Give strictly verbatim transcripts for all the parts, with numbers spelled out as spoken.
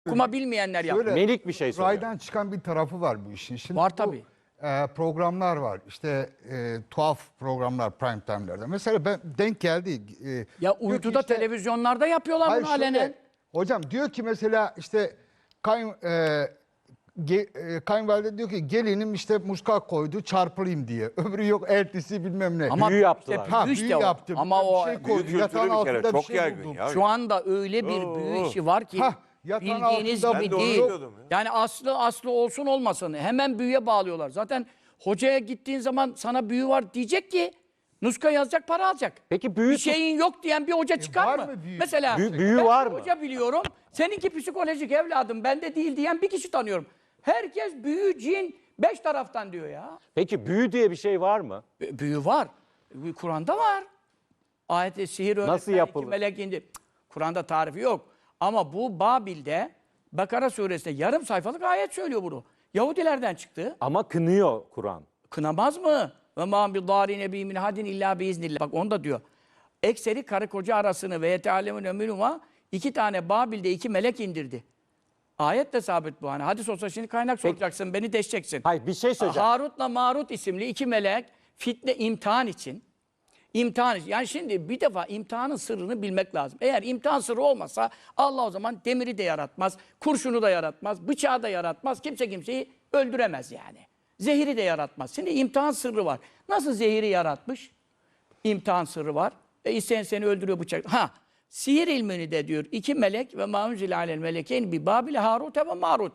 Okuma bilmeyenler yapıyor. Melik bir şey söylüyor. Raydan çıkan bir tarafı var bu işin. Şimdi Var bu, tabii. e, programlar var. İşte e, tuhaf programlar prime time'larda. Mesela ben denk geldi. E, Ya diyor ki uyduda işte- televizyonlarda yapıyorlar Hayır, bunu şöyle, alenen. hocam diyor ki mesela işte kayın, e, ge, e, kayınvalide diyor ki gelinim işte muska koydu çarpılayım diye. Öbürü yok ertesi bilmem ne. Ama Büyü yaptılar. işte ha, büyü büyü işte o. yaptı. Ama bilmem o bir şey koydu. Büyü Yatağın kültürü bir kere altında çok bir şey yaygın buldum. ya. şu anda öyle bir büyü işi var ki Hah, yatağın bildiğiniz altında gibi Ben de onu değil. biliyordum ya. Yani aslı aslı olsun olmasın hemen büyüye bağlıyorlar. Zaten hocaya gittiğin zaman sana büyü var diyecek ki nuska yazacak, para alacak. Peki büyü Bir şeyin yok diyen bir hoca çıkar var mı? mı büyü? Mesela Büyü- büyü ben var bir mı? hoca biliyorum. Seninki psikolojik evladım bende değil diyen bir kişi tanıyorum. Herkes büyü, cin, beş taraftan diyor ya. Peki büyü diye bir şey var mı? B- Büyü var. Büyü Kur'an'da var. Ayet-i sihir öğretmen, Nasıl iki yapılır? melek indi. Cık, Kur'an'da tarifi yok. Ama bu Babil'de Bakara suresinde yarım sayfalık ayet söylüyor bunu. Yahudilerden çıktı. Ama kınıyor Kur'an. Kınamaz mı? Ve mâ bi dârine bî min hadin illâ biiznillah. Bak onu da diyor. Ekseri karı koca arasını ve yeteâlemûne minhumâ iki tane Babil'de iki melek indirdi. Ayet de sabit bu. Hani hadis olsa şimdi kaynak soracaksın, beni deşeceksin. Hayır bir şey söyleyeceğim. Harut'la Marut isimli iki melek fitne imtihan için. İmtihan için. Yani şimdi bir defa imtihanın sırrını bilmek lazım. Eğer imtihan sırrı olmasa Allah o zaman demiri de yaratmaz, kurşunu da yaratmaz, bıçağı da yaratmaz. Kimse kimseyi öldüremez yani. Zehiri de yaratmaz. Şimdi imtihan sırrı var. Nasıl zehiri yaratmış? İmtihan sırrı var. E isteyen seni öldürüyor bıçak. Ha, sihir ilmini de diyor. İki melek ve maunzil alel melekeyn bi Babil Harut ve Marut.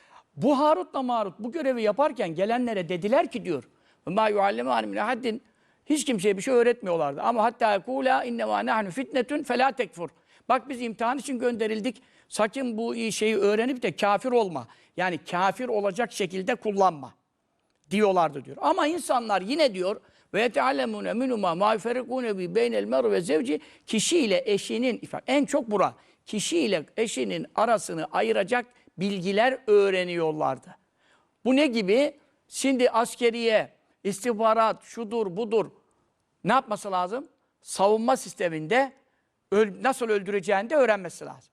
Bu Harut'la Marut bu görevi yaparken gelenlere dediler ki diyor. Ma yuallimâni min haddin. Hiç kimseye bir şey öğretmiyorlardı. Ama hatta kûlâ innemâ nahnu fitnetun felâ tekfur. Bak biz imtihan için gönderildik. Sakın bu şeyi öğrenip de kafir olma. Yani kafir olacak şekilde kullanma diyorlardı diyor. Ama insanlar yine diyor ve yeteallemûne minhumâ mâ yuferrikûne bi beynel mer'i ve zevci kişiyle eşinin en çok bura kişiyle eşinin arasını ayıracak bilgiler öğreniyorlardı. Bu ne gibi? Şimdi askeriye, istihbarat, şudur, budur ne yapması lazım? Savunma sisteminde öl nasıl öldüreceğini de öğrenmesi lazım.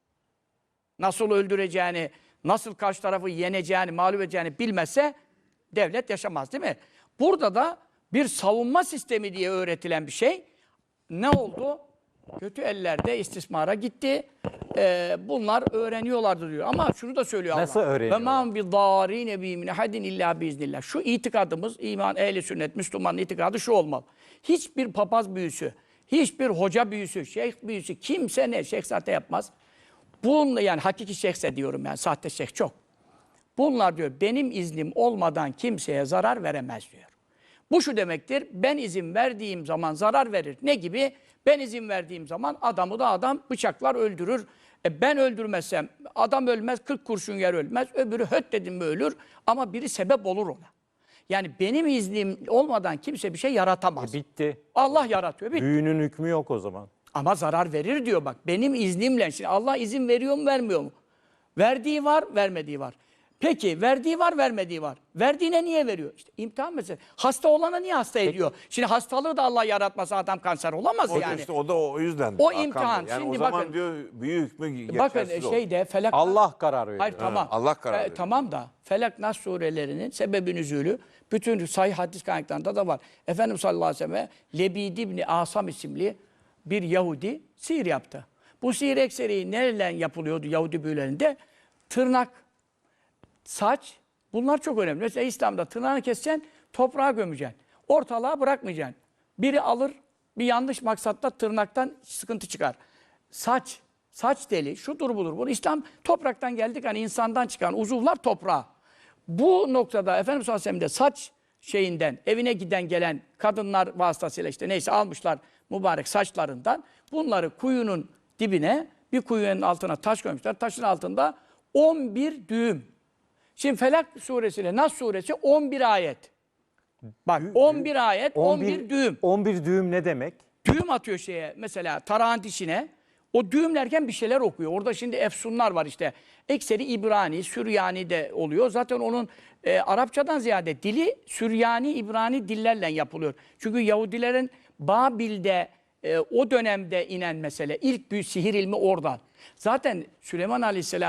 Nasıl öldüreceğini, nasıl karşı tarafı yeneceğini, mağlup edeceğini bilmezse devlet yaşamaz değil mi? Burada da bir savunma sistemi diye öğretilen bir şey ne oldu? Kötü ellerde istismara gitti. Ee, bunlar öğreniyorlardı diyor. Ama şunu da söylüyor Allah. Nasıl öğreniyorlar? Ve mâ bi dârîne bî min hadin illâ biiznillah. Şu itikadımız, iman, ehli sünnet, Müslümanın itikadı şu olmalı. Hiçbir papaz büyüsü, hiçbir hoca büyüsü, şeyh büyüsü, kimse ne, şeyh zaten yapmaz. Bununla yani hakiki şeyhse diyorum yani, sahte şeyh çok. Bunlar diyor benim iznim olmadan kimseye zarar veremez diyor. Bu şu demektir, ben izin verdiğim zaman zarar verir. Ne gibi? Ben izin verdiğim zaman adamı da adam bıçaklar öldürür. E ben öldürmezsem adam ölmez, kırk kurşun yer ölmez. Öbürü höt dedim mi ölür ama biri sebep olur ona. Yani benim iznim olmadan kimse bir şey yaratamaz. E, bitti. Allah yaratıyor, bitti. Büyünün hükmü yok o zaman. Ama zarar verir diyor bak. Benim iznimle. Şimdi Allah izin veriyor mu vermiyor mu? Verdiği var, vermediği var. Peki verdiği var, vermediği var. Verdiğine niye veriyor? İşte imtihan meselesi. Hasta olana niye hasta ediyor? Şimdi hastalığı da Allah yaratmasa adam kanser olamaz O yani. işte o da o yüzden. O Hakan imtihan. Bey. Yani Şimdi o zaman bakın- diyor büyük hükmü geçersiz Bakın olur. şeyde Felak... Allah karar veriyor. Hayır tamam. Allah karar E, veriyor. tamam da Felak Nas surelerinin sebebi nüzulü bütün sahih hadis kaynaklarında da var. Efendimiz sallallahu aleyhi ve sellem Lebid İbni Asam isimli bir Yahudi sihir yaptı. Bu sihir ekseri nereden yapılıyordu Yahudi büyülerinde? Tırnak, saç, bunlar çok önemli. Mesela İslam'da tırnağını keseceksin, toprağa gömeceksin. Ortalığa bırakmayacaksın. Biri alır, bir yanlış maksatla tırnaktan sıkıntı çıkar. Saç, saç deli, şudur budur. Bunu İslam topraktan geldik, hani insandan çıkan uzuvlar toprağa. Bu noktada Efendimiz sallallahu aleyhi ve sellem de saç şeyinden, evine giden gelen kadınlar vasıtasıyla işte neyse almışlar mübarek saçlarından. Bunları kuyunun dibine, bir kuyunun altına taş koymuşlar. Taşın altında on bir düğüm. Şimdi Felak suresiyle Nas suresi on bir ayet. Bak on bir ayet, on bir düğüm. on bir düğüm ne demek? Düğüm atıyor şeye mesela tarağın dişine. O düğümlerken bir şeyler okuyor. Orada şimdi efsunlar var işte. Ekseri İbrani, Süryani de oluyor. Zaten onun e, Arapçadan ziyade dili Süryani, İbrani dillerle yapılıyor. Çünkü Yahudilerin Babil'de e, o dönemde inen mesele. İlk büyük sihir ilmi oradan. Zaten Süleyman Aleyhisselam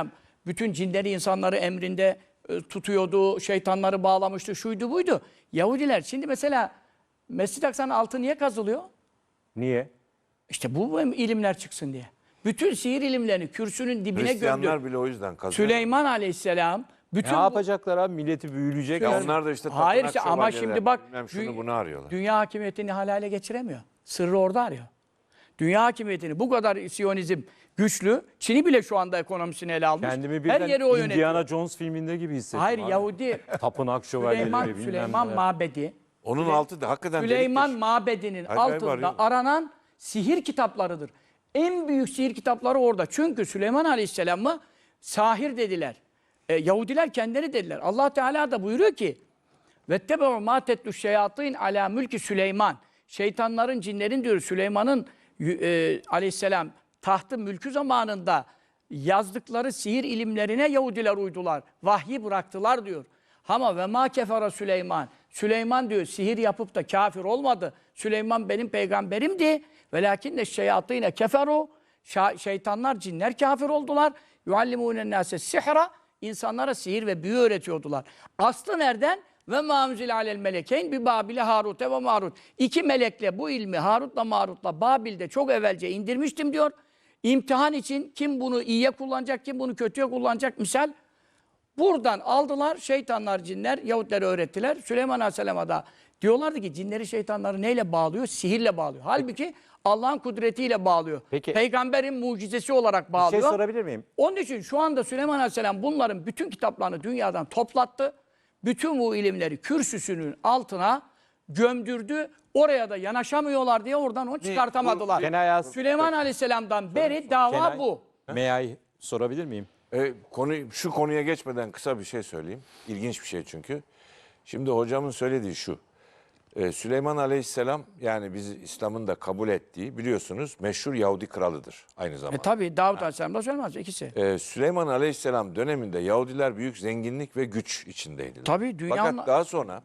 bütün cinleri insanları emrinde e, tutuyordu, şeytanları bağlamıştı, şuydu buydu. Yahudiler şimdi mesela Mescid-i Aksa'nın altı niye kazılıyor? Niye? İşte bu ilimler çıksın diye. Bütün sihir ilimlerini kürsünün dibine Hristiyanlar gömdü. bile o yüzden kazıyor. Süleyman Aleyhisselam bütün Ne bu- yapacaklar abi? Milleti büyüleyecekler. Ya onlar da işte Hayır tapınak işte ama şövalyeler, şimdi bak bilmem şunu dü- bunu arıyorlar. dünya hakimiyetini halale geçiremiyor. Sırrı orada arıyor. Dünya hakimiyetini bu kadar Siyonizm güçlü. Çin'i bile şu anda ekonomisini ele almış. Kendimi Her birden yeri o yönetiyor. Indiana Jones filminde gibi hissettim. Hayır abi. Yahudi Tapınak şövalyeleri Süleyman, bilmem Süleyman neler. Mabedi. Onun altı da hakikaten Süleyman deliktir. Mabedi'nin Acayip altında arıyorlar. aranan sihir kitaplarıdır. En büyük sihir kitapları orada. Çünkü Süleyman Aleyhisselam'ı sahir dediler. E, Yahudiler kendileri dediler. Allah Teala da buyuruyor ki وَاتَّبَعُوا مَا تَتْلُ الشَّيَاطِينَ عَلَى mülki Süleyman. Şeytanların, cinlerin diyor Süleyman'ın e, aleyhisselam tahtı mülkü zamanında yazdıkları sihir ilimlerine Yahudiler uydular. Vahyi bıraktılar diyor. Ama ve ma kefara Süleyman. Süleyman diyor sihir yapıp da kafir olmadı. Süleyman benim peygamberimdi. Velakinne şeyatîne keferu. Şeytanlar, cinler kafir oldular. Yuallimûnen nâse sihra. İnsanlara sihir ve büyü öğretiyordular. Aslı nereden? Ve mâmzil alel melekeyn bi Babil'e Harut'e ve Marut. İki melekle bu ilmi Harut'la Marut'la Babil'de çok evvelce indirmiştim diyor. İmtihan için kim bunu iyiye kullanacak, kim bunu kötüye kullanacak misal. Buradan aldılar şeytanlar, cinler, Yahudilere öğrettiler. Süleyman Aleyhisselam'a da diyorlardı ki cinleri, şeytanları neyle bağlıyor? Sihirle bağlıyor. Halbuki Allah'ın kudretiyle bağlıyor. Peki. Peygamberin mucizesi olarak Bir bağlıyor. şey sorabilir miyim? Onun için şu anda Süleyman Aleyhisselam bunların bütün kitaplarını dünyadan toplattı. Bütün bu ilimleri kürsüsünün altına gömdürdü. Oraya da yanaşamıyorlar diye oradan onu çıkartamadılar. Kenay As- Süleyman Aleyhisselam'dan beri dava Kenay, bu. May I sorabilir miyim? E, konu, şu konuya geçmeden kısa bir şey söyleyeyim. İlginç bir şey çünkü. Şimdi hocamın söylediği şu. E, Süleyman Aleyhisselam yani biz İslam'ın da kabul ettiği biliyorsunuz meşhur Yahudi kralıdır aynı E zamanda. tabi Davut Aleyhisselam da söylemez ikisi. E, Süleyman Aleyhisselam döneminde Yahudiler büyük zenginlik ve güç içindeydiler. Tabii, dünyanın- Fakat daha sonra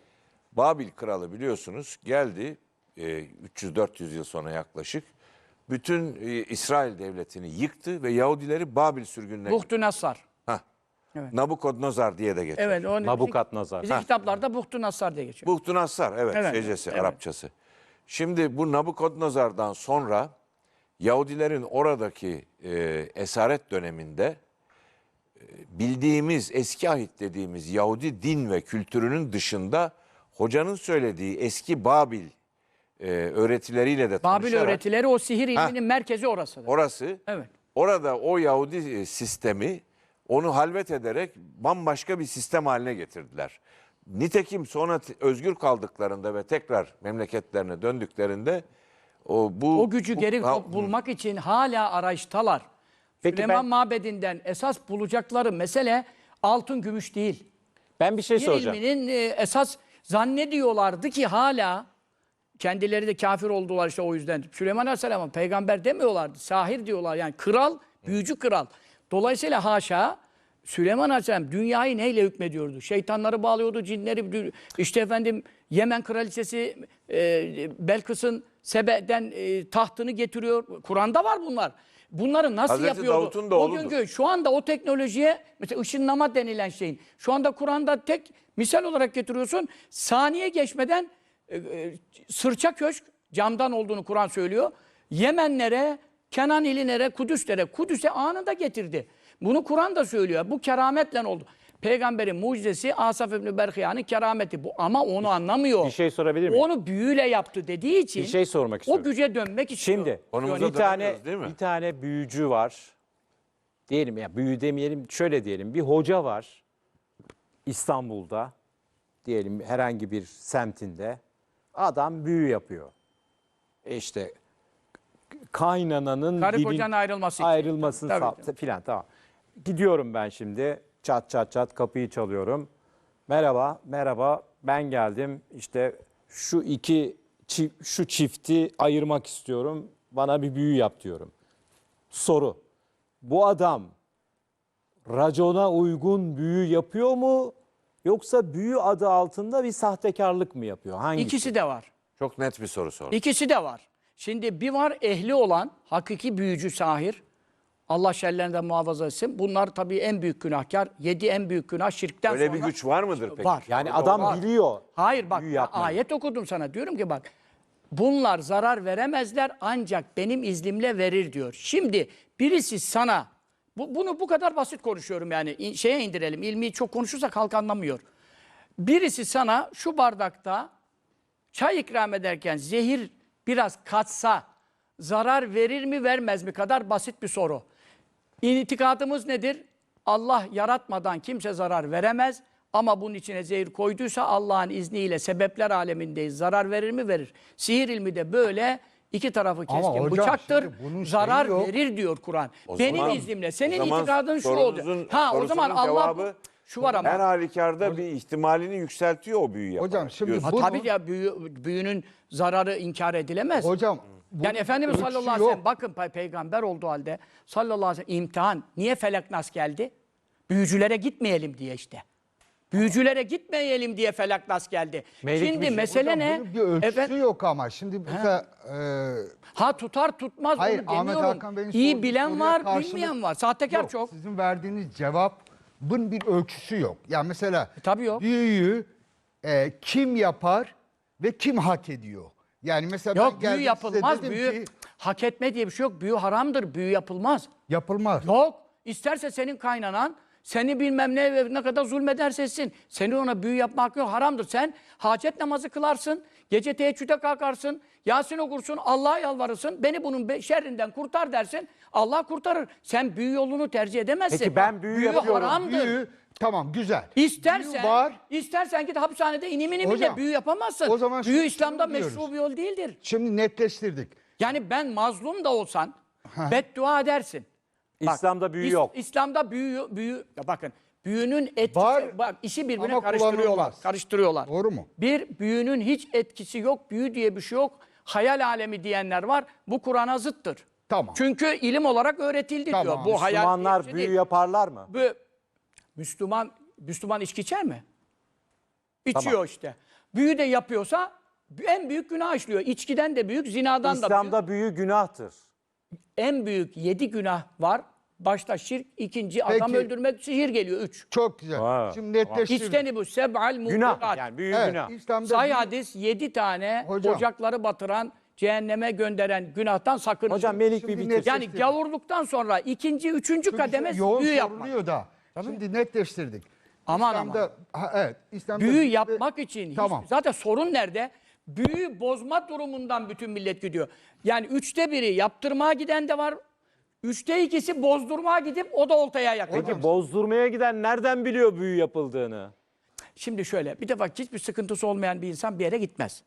Babil kralı biliyorsunuz geldi e, üç yüz dört yüz yıl sonra yaklaşık. Bütün e, İsrail devletini yıktı ve Yahudileri Babil sürgününe Buhtü Nassar. Hah. Evet. Nabukadnezar diye de geçiyor. Evet. Onu Nabukadnezar. Bizim, bizim kitaplarda Buhtü Nassar diye geçiyor. Buhtun Nassar, evet, Evet, şeycesi, evet. Arapçası. Şimdi bu Nabukadnezar'dan sonra Yahudilerin oradaki e, esaret döneminde e, bildiğimiz eski ahit dediğimiz Yahudi din ve kültürünün dışında hocanın söylediği eski Babil e, öğretileriyle de Babil tanışarak öğretileri o sihir ilminin merkezi orasıdır. orası Evet. orada o Yahudi e, sistemi onu halvet ederek bambaşka bir sistem haline getirdiler. Nitekim sonra t- özgür kaldıklarında ve tekrar memleketlerine döndüklerinde o bu O gücü bu- geri ha, bulmak için hala arayıştalar. Peki Süleyman ben- Mabedi'nden esas bulacakları mesele altın gümüş değil. Ben bir şey Sihir soracağım. ilminin e, esas zannediyorlardı ki hala kendileri de kafir oldular işte o yüzden. Süleyman Aleyhisselam'a peygamber demiyorlardı. Sahir diyorlar yani kral, büyücü kral. Dolayısıyla haşa Süleyman Aleyhisselam dünyayı neyle hükmediyordu? Şeytanları bağlıyordu, cinleri. İşte efendim Yemen kraliçesi e, Belkıs'ın Sebe'den e, tahtını getiriyor. Kur'an'da var bunlar. Bunları nasıl Hazreti yapıyordu? Davut'un da O oğludur. günkü şu anda o teknolojiye mesela ışınlama denilen şeyin şu anda Kur'an'da tek misal olarak getiriyorsun. Saniye geçmeden e, e, sırça köşk camdan olduğunu Kur'an söylüyor. Yemenlere, Kenan ilinlere, Kudüslere, Kudüs'e anında getirdi. Bunu Kur'an da söylüyor. Bu kerametle oldu. Peygamberin mucizesi Asaf İbni Berhiya'nın kerameti bu ama onu anlamıyor. Bir şey sorabilir miyim? Onu büyüyle yaptı dediği için Bir şey sormak o istiyorum. güce dönmek istiyor. Şimdi Konumuza bir tane dönemiyoruz, değil mi? bir tane büyücü var. Diyelim ya büyü demeyelim şöyle diyelim bir hoca var İstanbul'da diyelim herhangi bir semtinde adam büyü yapıyor. E İşte kaynananın Karı dilin- kocanın ayrılması için. ayrılmasını Tabii, sağ- filan tamam. Gidiyorum ben şimdi çat çat çat kapıyı çalıyorum. Merhaba, merhaba ben geldim işte şu iki çi- şu çifti ayırmak istiyorum. Bana bir büyü yap diyorum. Soru. Bu adam racona uygun büyü yapıyor mu? Yoksa büyü adı altında bir sahtekarlık mı yapıyor? Hangisi? İkisi de var. çok net bir soru sordum. İkisi de var. Şimdi bir var ehli olan hakiki büyücü sahir. Allah şerlerinden muhafaza etsin. Bunlar tabii en büyük günahkar. Yedi en büyük günah şirkten Öyle sonra. bir güç var mıdır peki? Var. Yani Var. adam Var. biliyor. Hayır bak büyü yapmayı. ayet okudum sana. Diyorum ki bak bunlar zarar veremezler ancak benim iznimle verir diyor. Şimdi birisi sana bu, bunu bu kadar basit konuşuyorum yani İn- şeye indirelim. İlmi çok konuşursak halk anlamıyor. Birisi sana şu bardakta çay ikram ederken zehir biraz katsa zarar verir mi vermez mi kadar basit bir soru. İtikadımız nedir? Allah yaratmadan kimse zarar veremez. Ama bunun içine zehir koyduysa Allah'ın izniyle sebepler alemindeyiz. Zarar verir mi? Verir. Sihir ilmi de böyle iki tarafı Ama keskin hocam, bıçaktır. şimdi bunun şeyi Zarar yok. verir diyor Kur'an. O Benim zaman- iznimle. o Senin zaman itikadın şu sorunuzun- olacak. Ha o zaman sorusunun Allah cevabı şu var ama. her halükarda bir ihtimalini yükseltiyor o büyü yaparak. Hocam şimdi diyorsun. Ha, bunun- tabii ya büyü, büyünün zararı inkar edilemez. Hocam bunun Yani Efendimiz ölçüsü sallallahu aleyhi ve sellem yok. bakın pe- peygamber olduğu halde sallallahu aleyhi ve sellem imtihan. Niye felak nas geldi? Büyücülere gitmeyelim diye işte. Büyücülere gitmeyelim diye felak nas geldi. Melik Şimdi bir şey. mesele Hocam ne? bunun bir ölçüsü Efendim, yok ama. Şimdi mesela e, ha tutar tutmaz Hayır, onu Ahmet demiyorum. Hakan Bey'in İyi sorduğu bilen soruya var, karşılık- bilmeyen var. Sahtekar yok, çok. sizin verdiğiniz cevabın bir ölçüsü yok. Yani mesela tabii yok. büyüyü e, kim yapar ve kim hak ediyor? Yani mesela ben Yok büyü geldim size yapılmaz. dedim Büyü ki hak etme diye bir şey yok. Büyü haramdır. Büyü yapılmaz. yapılmaz. Yok. İsterse senin kaynanan seni bilmem ne ve ne kadar zulmederse etsin. Senin ona büyü yapma hakkı yok. Haramdır. Sen hacet namazı kılarsın. Gece teheccüde kalkarsın. Yasin okursun. Allah'a yalvarırsın. Beni bunun be- şerrinden kurtar dersin. Allah kurtarır. Sen büyü yolunu tercih edemezsin. Peki ben büyü yapıyorum. haramdır. Büyü tamam güzel. İstersen, Büyü var. istersen git hapishanede inim inim Hocam, de büyü yapamazsın. o zaman büyü şunu İslam'da diyoruz. meşru bir yol değildir. Şimdi netleştirdik. Yani ben mazlum da olsan beddua edersin. Bak, İslam'da büyü İs- yok. İslam'da büyü, büyü ya bakın büyünün etkisi, Var bak işi birbirine ama karıştırıyorlar. kullanılmaz. Karıştırıyorlar. Doğru mu? Bir, büyünün hiç etkisi yok, büyü diye bir şey yok. Hayal alemi diyenler var. Bu Kur'an'a zıttır. Tamam. Çünkü ilim olarak öğretildi Tamam. diyor. Bu hayal diye bir Müslümanlar şey büyü değil. yaparlar mı? Bu, Müslüman, Müslüman içki içer mi? İçiyor Tamam. işte. Büyü de yapıyorsa en büyük günah işliyor. İçkiden de büyük, zinadan da büyük. İslam'da büyü günahtır. En büyük yedi günah var. Başta şirk, ikinci adam Peki. öldürmek, sihir geliyor. Üç. Çok güzel. Ha, Şimdi netleştirdik. İçteni bu seb'al Günah. mubikat. Yani büyü Evet, günah. İslam'da Sahih büyü- hadis yedi tane Hocam. ocakları batıran, cehenneme gönderen günahtan sakının. Hocam Melik Şimdi bir net- bitirsin. yani gavurluktan sonra ikinci, üçüncü Çünkü kademe yoğun büyü yapmak. soruluyor da. Şimdi netleştirdik. Aman İslam'da, ha, evet, İslam'da Büyü büyü- yapmak için hiç- Tamam. zaten sorun nerede? Büyü bozma durumundan bütün millet gidiyor. Yani üçte biri yaptırmaya giden de var. Üçte ikisi bozdurmaya gidip o da oltaya yakın. Peki bozdurmaya giden nereden biliyor büyü yapıldığını? Şimdi şöyle, bir defa hiçbir sıkıntısı olmayan bir insan bir yere gitmez.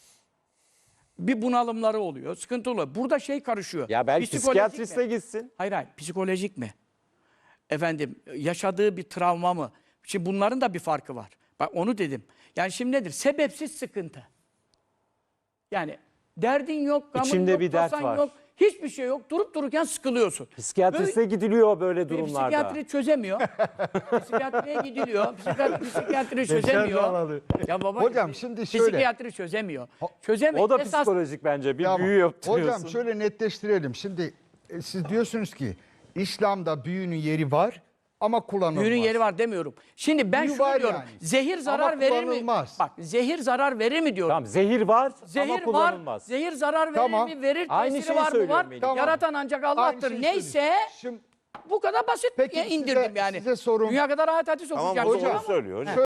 Bir bunalımları oluyor, sıkıntı oluyor. Burada şey karışıyor. Ya belki Psikolojik psikiyatriste mi? gitsin. Hayır hayır, psikolojik mi? Efendim, yaşadığı bir travma mı? Şimdi bunların da bir farkı var. Bak onu dedim. Yani şimdi nedir? Sebepsiz sıkıntı. Yani derdin yok, gamın İçinde yok, bir dert tasan var. yok. Hiçbir şey yok. Durup dururken sıkılıyorsun. Psikiyatriste gidiliyor böyle durumlarda. Psikiyatri çözemiyor. Psikiyatriye gidiliyor. Psikiyatri, psikiyatri çözemiyor. bağladı. Ya baba, Hocam şimdi şöyle. Psikiyatri çözemiyor. Çözemiyor. O da Esas- psikolojik bence. Bir Tamam. büyü yaptırıyorsun. Hocam şöyle netleştirelim. Şimdi e, siz diyorsunuz ki İslam'da büyünün yeri var ama kullanılmaz. Büyünün yeri var demiyorum. Şimdi ben Büyü şunu var diyorum. yani. Zehir zarar Ama verir mi? kullanılmaz. Bak zehir zarar verir mi diyorum. Tamam zehir var ama Zehir var. kullanılmaz. Zehir zarar verir Tamam. mi? Verir. Aynı Tesiri şeyi var mı? söylüyorum Var. Melih. Tamam. Yaratan ancak Aynı Allah'tır. şeyi Neyse söyleyeyim. Şimdi bu kadar basit Peki ya size- indirdim yani. size sorum. Dünya kadar ayet hadis Tamam okuyacağım. hocam Ama- söylüyor hocam.